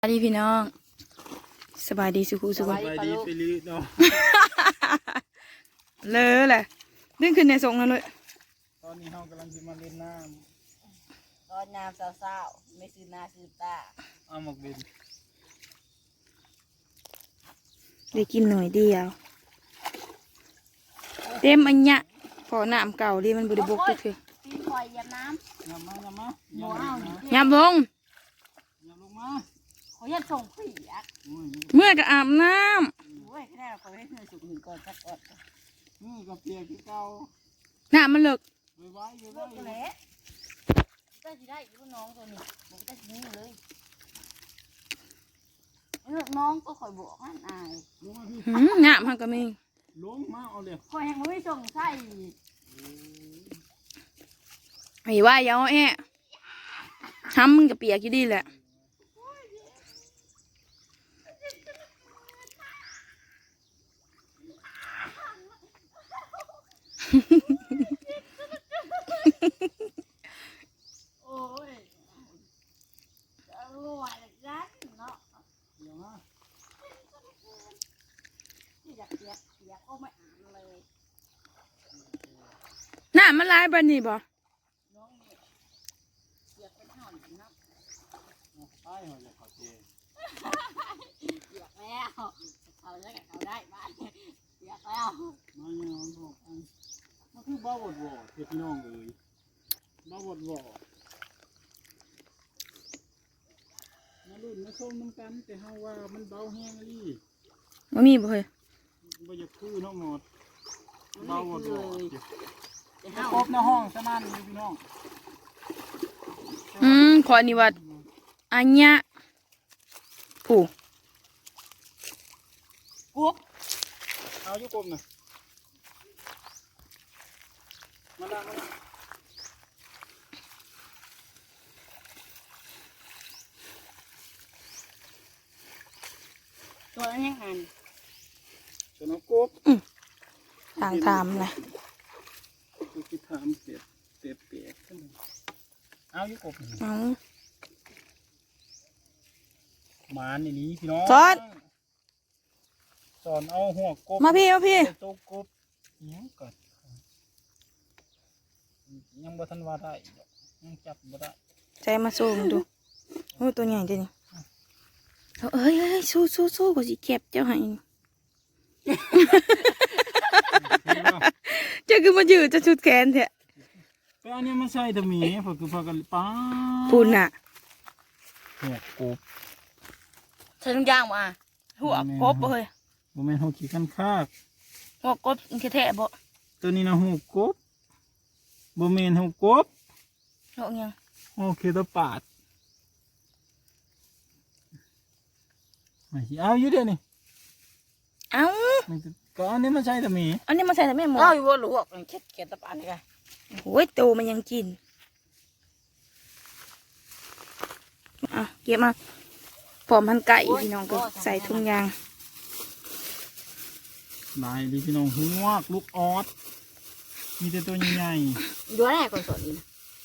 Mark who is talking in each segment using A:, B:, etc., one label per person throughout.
A: สวัสดีพี่น้องสบายดีสุขุสุข
B: สบายดีไปลีเนาะ
A: เลยแหละดึงขึ้นในทรงนั่นเลย
B: ตอนนี้เรากำลังจะมาเล่นน้
C: ตอนยามเศร้าๆไม่ซื้อหน้าซื้อตา
B: ำเอาหมกดิน
A: ได้กินหน่อยเดียวเต็มอันเนี้ยพอน้ำเก่าดิมันบริบกก็คือ
C: ตีคอยเหยียบน้
B: ยำมา
C: ำหัวเอา
A: ยามลง
B: ยำลงมา
C: เขายัดส่งผีอ่ะ
B: โอ้ย
A: เมื่อก็อาบน้
C: โอ้ยแค่เราคอยให้เธอสุกหนึ่งก่อนสักก่อน
B: นี่กับเปียกที่เก่า
A: ำน้ำมันเลิก
B: ไว้ไว้
C: เลิกกันแล้วก็จะได้ลูกน้องตัวนี้บอกได้ทิ้งเลยลูกน้องก็คอยบอกมันอาย
B: ลงมาพี่
A: น้ำมันก็มี
B: ลงมาเอาเลย
C: คอยแห่งไม่ส่งไส้
A: ไอ้ว่าอย่าเอาแอะทำมึงกับเปียกอยู่ดีแหละ
C: โอ้ยอร่อยจังเนาะ
B: เดี๋ยวมา
C: ที่อยากเปียกก็ไม่อ่านเลย
A: น้ำมันลายบันนี่บ่
C: น้องเนี่ยเปียกเป็นห่อนนะ
B: ใต้หัวเลยเขาเจ
C: เปียกแล้วเขาได้เขาได้บ้านเปียกแล้ว
B: มาเนี่ยมันบอกอันมันคือบ้าบดบ่เพื่อพี่น้องเลยบ้าบดบ่มาลุ้นมาส้มน้ำกันแต่เฮาว่ามันเบาแห้งลี่
A: มันมีบ่เฮ้ย
B: บ่อยากคือน้องหมดเบาบดบ่
C: จะ
B: จะ
C: เฮา
B: ครบในห้องซะนั่นเลยพี่น้อง
A: ขอนี่ว่าอันเนี้ยผู้
C: กุ๊บ
B: เอาอยู่กลมน่ะมาละมาละ
C: ตัวนั้นยังหัน
B: จะน้องกบ
A: ทางทำนะ
B: คือที่ทำเปียกเปียกขึ้นมาเอาอยู่กบ
A: เอา
B: หมาในนี้พี่น้องสอนเอาหัวกบ
A: มาพี่
B: ใส่ตัวกบยังก่อนยังบ่ทันว่าได้ยังจับบ่ได้
A: ใจมาสู้มึงดูโอ้ตัวใหญ่จริงเอ้ยสู้กูสิเก็บเจ้าให้เจ้าคือมายืดจะชุดแขนเถอะ
B: แต่อันนี้มันใช่ตะหมีเพราะคือพากันป้า
A: พูนน่ะ
B: หัวกบ
C: ใช้ทุกอย่างมา
A: หัวกบเฮ้ย
B: บ่แม่นหัวขี้กันคาก
A: หัวกบแท้ๆบ่
B: ตัวนี้นะหัวกบบ่แม่นหัวกบ
A: หัวยัง
B: หัวเคตาปาดไม่สิเอาอยู่เดี๋ยวนี้
A: เอ้า
B: มันก็อันนี้มันใช่ตะหมี
A: อันนี้มาใส่แต่แม่หมอ
C: เอาอยู่บนหลวกเข็ดเข็ดตะปานนี่ไง
A: โอ้ยตัวมันยังกินอ่ะเก็บมาพร้อมพันไก่พี่น้องก็ใส่ถุงยาง
B: นายดิพี่น้องหัวลูกออสมีแต่ตัวใหญ่
C: อยู่แรกก่อนสอนนี่นะ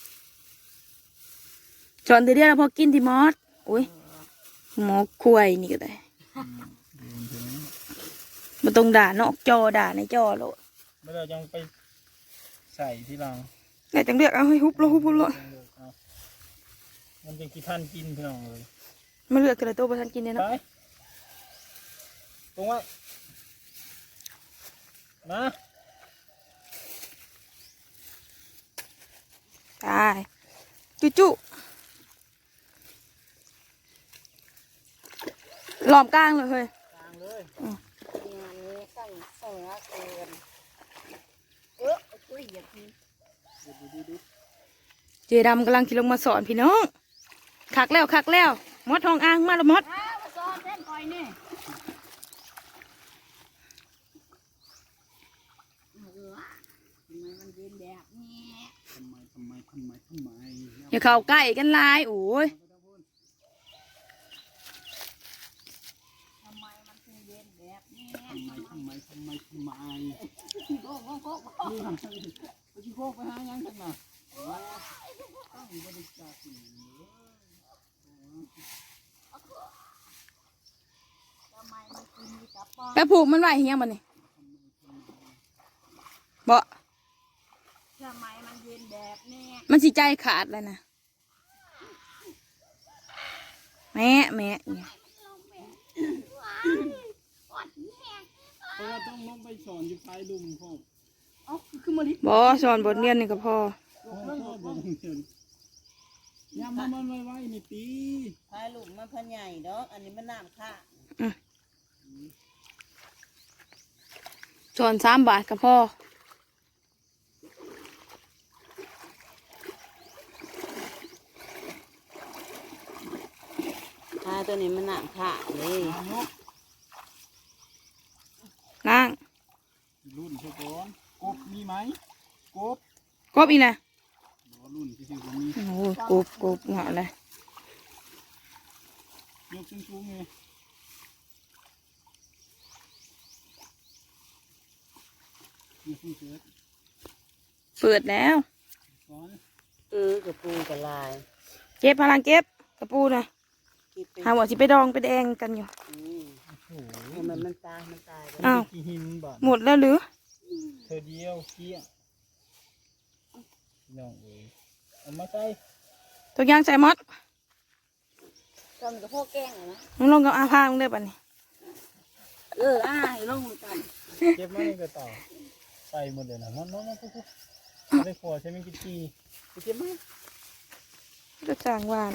A: จอนเดียวแล้วพอกินที่มอสอุ้ยหมอคุยนี่ก็ได้
B: ๆดูมันจะไหม
A: มันต้องด่านอกจอด่าในจอโลด
B: ไม่ได้ยังไปใส่ที่หลัง
A: ไหนจังเลือกเอาให้ฮุบโลฮุบโลด
B: เอามันจะกี่ท่านกินพี่น้องเลย
A: มาเลือกแต่ละตัวประทันกินเนี่ย
B: ไป
A: เนาะ
B: ตรงไว้นะ
A: ตายจุหลอมกลางเลยเฮ้ย
B: กลางเลย
C: งานนี้สั่งเสือเกินช่วยเหยียบที
B: ดู
A: เจดำกำลังขี่ลงมาสอนพี่น้องคักแล้วมดทองอ่างมาแล้วมด
C: อ้าวมาซ้อนเส้นคอยนี่ทำไมมันเย็นแบบนี้
B: ทำไม
A: อย่าเข้าใกล้กันหลายโอ้ย
C: ทำไมมันถึงเย็นแบบนี้
B: ทำไม
C: โก้โก้โก้
B: นี่ทำไมไปที่โคกไปหายังกันน่ะตั้งบริจาค
A: ไปผูกมันไว้เฮียมันนี่บ่
C: ทำไมมันเย็นแบบนี้
A: มันสิใจขาดเลยนะแม่เนี่ย
B: เพราะว่าต้องลงไปสอนอยู่ท้ายลุมพ่อ
C: เอ้าคือมาลิ
A: บ่สอนบทเรียนนี่ก็พอ
B: พ่อบอกเชิญยำมันไว้นี่ตี
D: พายลูกมันพันใหญ่ดอกอันนี้มันน้ำค่ะ
A: สอน3 บาทก็พอ
D: พายตัวนี้มันน้ำค่ะเลย
B: นก
A: นั่ง
B: รุ่นเช่ก่อนกบมีไหมกบ
A: กบอีกนะ
B: รุ่นที่ชื่อผมมี
A: โอ้กบเหงาเลย
B: ยกสูงๆไงยกสูงเสือ
A: เปิดแล้ว
B: สอน
D: กระปูกระลาย
A: เก็บพลังเก็บกระปูนะ
D: คิดเป็น
A: หาว่าสิไปดองไปแดงกันอยู่
B: โอ้โห
D: มันตายมันตาย
A: อ้าว
B: กี่หินบาท
A: หมดแล้วหรือ
B: เธอเดียวเกี้ยน้องเอ๋ยเอามาใส่
A: ตัวอยางใส่มอด
C: ทำกับพ่อแกล้งนะ
A: มึงลงกับอาภามึงได้ป่ะนี่
C: ลงมือกัน
B: เก็บมาในกระต่ายใส่หมดเลยนะน้องๆปุ๊บๆเอาไปขวดใช่ไหมกินกีไปเก็บมา
A: ก็จางหวาน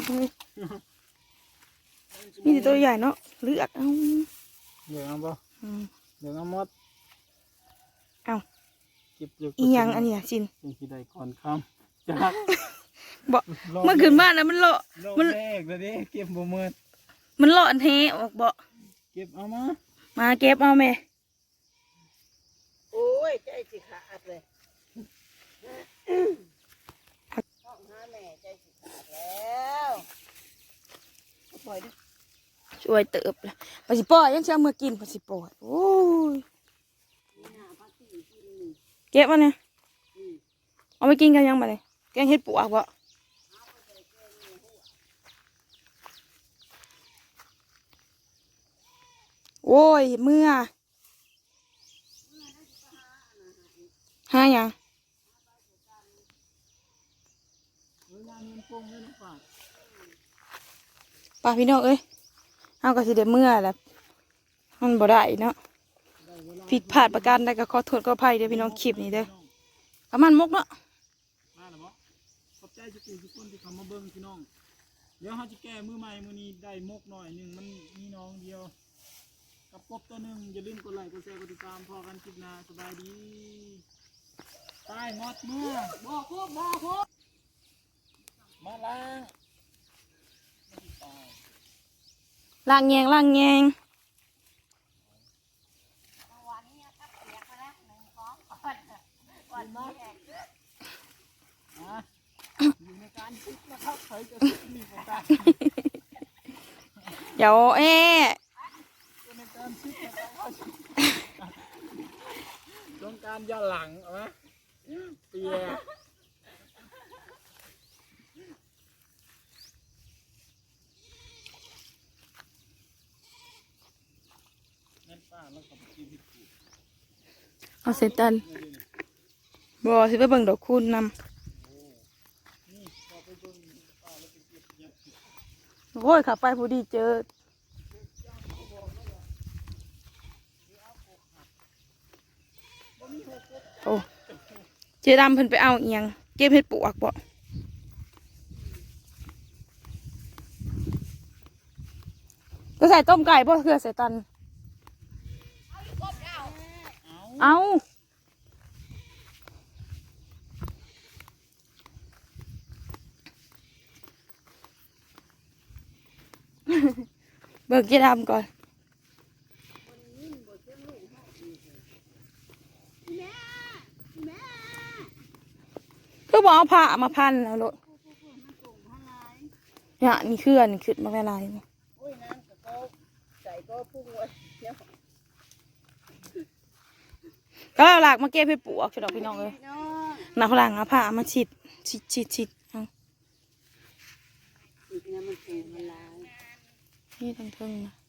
A: มีแต่ตัวใหญ่เนาะเลือกเอา
B: เหลืองเอาปะ
A: อืม
B: เหลืองเอาหมด
A: เอา
B: เก็บเยอะ
A: อีหยังอันนี้สิน
B: เป็นที่ใดก่อนคำจาก
A: บ่เมื่อคืนบ้านนะมันเลาะ
B: รอบ
A: มัน
B: แรกเลยดิเก็บบ่เมิด
A: มันเลาะอันเทออกบ่
B: เก็บเอามา
A: มาเก็บเอาแม่
D: โอ้ยใจสิขาดเลยต้องหาแม่ใจสิขาดแล้ว
C: ปล่อยดิ
A: ช่วยเติบเลยพอสิปล่อยยังเชื่อเมื่อกินพอสิปล่อยโอ้ยเก็บมาเนี่ยเอาไปกินกันยังมาเลยแกงเห็ดปวกบ่โอ้ยเมื่อหาหยัง
B: เวลาเงินโป่งเงินฝาก
A: ป้าพี่น้องเอ้ยเอาก็สิได้เมื่อแหละมันบ่ได้เนาะผิดพลาดประการใดก็ขอโทษขออภัยเด้อพี่น้องคลิปนี้เด้อประมาณมกเนาะ
B: มาหรือบ่ขอบใจทุกคนที่เข้ามาเบิ่งพี่น้องเดี๋ยวเขาจะแก้มือใหม่มือนี้ได้มกหน่อยหนึ่งมันมีน้องเดียวกับกบตัวหนึ่งอย่าลืมกดไลค์กดแชร์กดติดตามพอกันคลิปหน้าสบายดีตายงอดเมื่อบอกพวกมาล้างไม่ได้ตาย
A: ล่างแยงล่างแยง
C: วันนี้ครับเสียไปแล้ว1 ของวันนี้แหก
B: อยู่ในการคิดนะครับใครจะมีโอกาส
A: เดี๋ยว
B: อยู่ในการคิดนะครับต้องการย้อนหลังเอาไหมเปียเงินป้าแล้วก็ไปกินที่ถูก
A: เอาเสร็จตันบ่สิไปเบิ่งดอกคูณนำ
B: นี่พอไปเบิ่งป้าแล้วไปเก็บเยอะ
A: โอ้ยขับไปผู้ดีเจอโอ้เจดำเพิ่นไปเอาเอียงเก็บเห็ดปวกบ่ก็ใส่ต้มไก่บ่เพื่อใส่ตัน
B: เอา
A: เอาเบิกเจดำก่อนก็บอกเอาผ้ามาพันแล้วโลดเนี่ยนี่คืออันนี้ขึ้นมาเป็นลายนี่
D: โอ้ยน้ำกับก็ใส่ก็พุ่งไว้เดี๋ยว
A: ก็เอาหลักมาเก็บให้ปลวกใช่ดอกพี่น้องเลย
D: พี่น้อง
A: หนักหลังเอาผ้ามาฉีดเอา
D: อีกนะมันสูงมันลาย
A: นี่ทั้งเทิงนะ